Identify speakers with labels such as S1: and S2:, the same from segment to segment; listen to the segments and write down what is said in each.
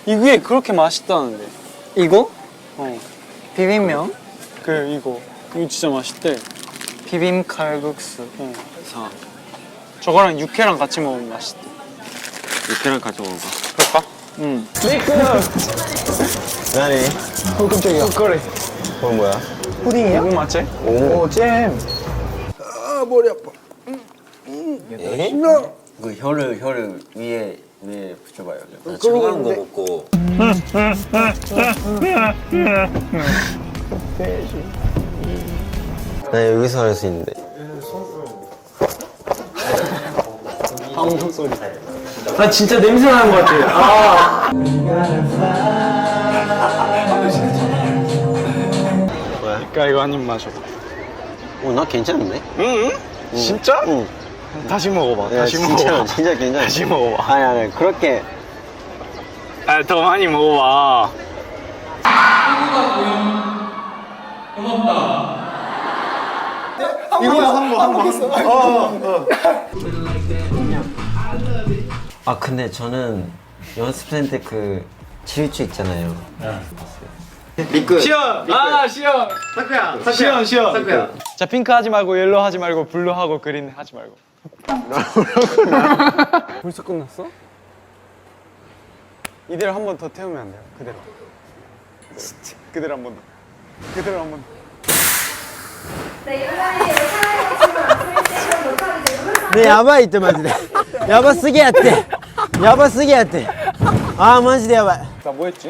S1: 이게 그렇게 맛있다는데.
S2: 이거?
S1: 어.
S2: 비빔면?
S1: 이거 진짜 맛있대.
S2: 비빔 칼국수.
S1: 사. 저거랑 육회랑 같이 먹으면 맛있대.
S3: 육회랑 같이 먹어봐.
S1: 그럴까? 응.
S4: 나니?
S2: 깜짝이야.
S1: 그래.
S4: 그건 뭐야?
S2: 푸딩이야?
S1: 이거 맞지?
S2: 오, 잼.
S4: 아 머리 아파. 그 혀를 위에 붙여봐요. 차가운 거 먹고. 나 여기서 할 수 있는데.
S1: 방송 소리. 나 진짜 냄새 나는 것 같아.
S4: 뭐야?
S1: 그러니까 이거 한 입 마셔.
S4: 나 괜찮은데?
S1: 응? 진짜?
S4: 응.
S1: 다시 먹어봐.
S4: 야,
S1: 다시
S4: 진짜,
S1: 먹어봐.
S4: 진짜 괜찮아.
S1: 다시 먹어봐.
S4: 아니 그렇게.
S1: 더 많이 먹어봐.
S4: 아 근데 저는 연습생 때 그 질주 있잖아요.
S1: 시연! 아 시연! 시연 시연! 자 핑크 하지 말고 옐로우 하지 말고 블루 하고 그린 하지 말고. 벌써 끝났어? 이대로 한 번 더 태우면 안 돼요? 그대로. 진짜 그대로 한 번 더. 그대로 한 번 더.
S4: 네 야바이ってマジでやばすぎやってやばすぎやってあーマジでやばい
S1: 나 뭐 했지?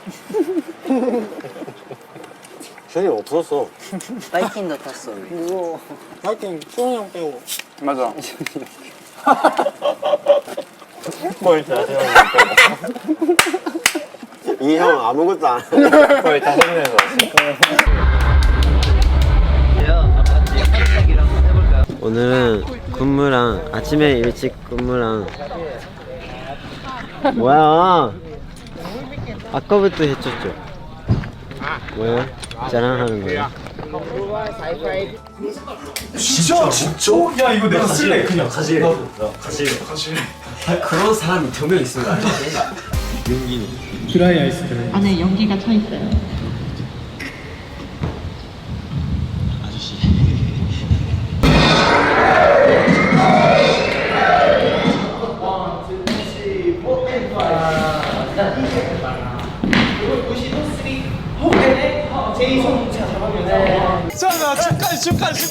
S4: 션이 없었어.
S2: 바이킹도 탔어. 우와. 바이킹 수영이 형 빼고.
S1: 맞아.
S4: 뭘 다 세워. 이 형 아무것도 안 해. 거의 다 생겨서. 오늘은 근무랑 아침에 일찍 근무랑 뭐야? 아까부터 했었죠. 뭐야? 자랑하는 거야.
S1: 진짜? 야 이거 내가 쓸래 그냥.
S3: 가지. 그런 사람이 2명 있으면 안 돼.
S1: 드라이 아이스크림.
S5: 안에 연기가 차 있어요.
S1: 자, 축하해.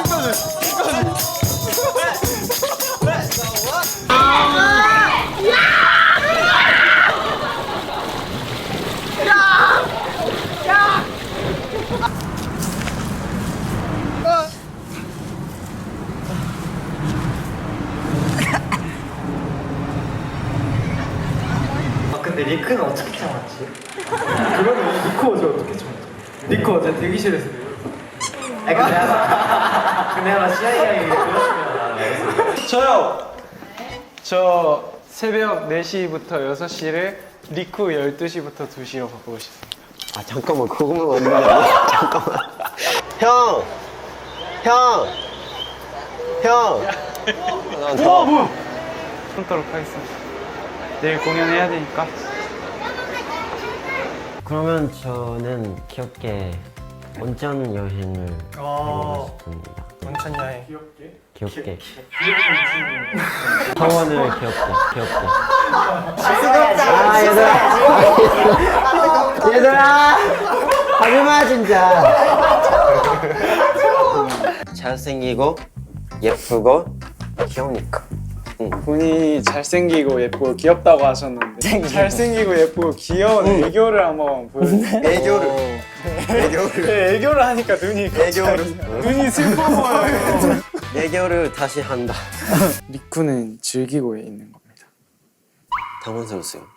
S2: 근데 리크는 어떻게 참았지? 그러면 리크 어제 어떻게 참았지? 리크 어제 대기실에서 아니 근데 아마 CIA에 그러시면
S1: 저요. 저 새벽 4시부터 6시를 리쿠 12시부터 2시로 바꾸고 싶어요.
S4: 아 잠깐만 그거만 없는 게 아니야? 잠깐만. 형.
S1: 뭐야? 끊도록 하겠습니다. 내일 공연해야 되니까.
S4: 그러면 저는 귀엽게 온천 여행을 해보고 싶습니다.
S2: 온천 여행.
S4: 귀엽게. 성원을 귀엽게. 아 얘들아 하지마 진짜. 잘생기고 예쁘고 귀여우니까.
S1: 본인이 잘생기고 예쁘고 귀엽다고 하셨는데 잘생기고 예쁘고 귀여운 애교를 한번 보여주세요.
S4: 애교를.
S1: 네, 애교를 하니까 눈이 슬퍼 보여요.
S4: 애교를 다시 한다.
S1: 리쿠는 즐기고 있는 겁니다.
S4: 당황스러웠어요.